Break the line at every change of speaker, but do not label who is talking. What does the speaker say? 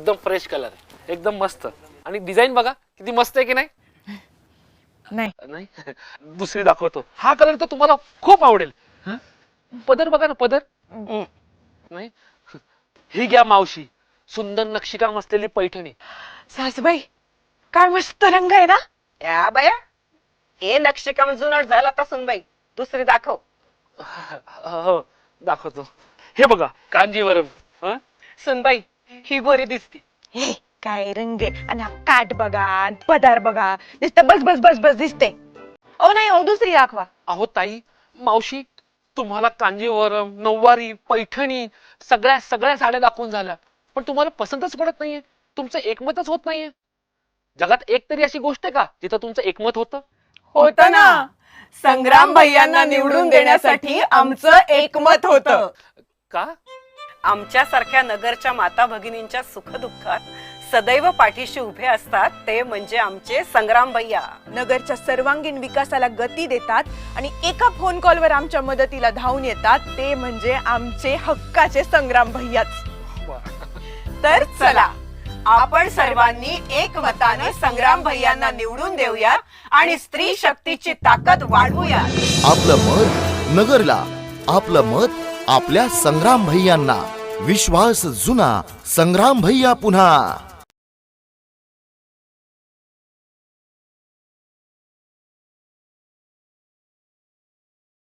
एकदम fresh colour आहे, एकदम मस्त. आणि डिझाईन बघा किती मस्त आहे की नाही.
नाही
नाही दुसरी दाखवतो. हा कलर तर तुम्हाला खूप आवडेल. पदर बघा ना, पदर. नाही ही घ्या मावशी, सुंदर नक्षीकाम असलेली पैठणी.
सासूबाई काय मस्त रंग आहे ना.
या बाया, हे नक्षीकाम जुनाट झाला तसून बाई. दुसरी दाखव.
हो दाखवतो. हे बघा कांजीवरम.
सुनबाई ही गोरी दिसते. हे काय रंग आहे. आणि हा काठ बघा आणि पदार बघा, नुसतं बस बस बस बस दिसते. ओ नाही हो, दुसरी दाखवा.
अहो ताई, मावशी तुम्हाला कांजीवरम, नऊवारी, पैठणी सगळ्या सगळ्या साड्या दाखवून झाल्या, पण तुम्हाला पसंतच पडत नाहीये. तुमचं एकमतच होत नाहीये. जगात एक तरी अशी गोष्ट आहे का जिथं तुमचं एकमत होतं?
होत ना, संग्राम भैयांना निवडून देण्यासाठी आमचं एकमत होतं.
का?
आमच्यासारख्या नगरच्या माता भगिनींच्या सुखदुःखात सदैव पाठीशी उभे असतात ते म्हणजे आमचे संग्राम भैया.
नगरच्या सर्वांगीण विकासाला गती देतात आणि एका फोन कॉलवर आमच्या मदतीला धावून येतात ते म्हणजे आमचे हक्काचे संग्राम भैयाच. तर चला आपण सर्वांनी एकमताने संग्राम भैयांना निवडून देऊया आणि स्त्री शक्तीची ताकद वाढवूया.
आपलं मत नगरला, आपलं मत आपल्या संग्राम भैयांना. विश्वास जुना, संग्राम भैया पुन्हा.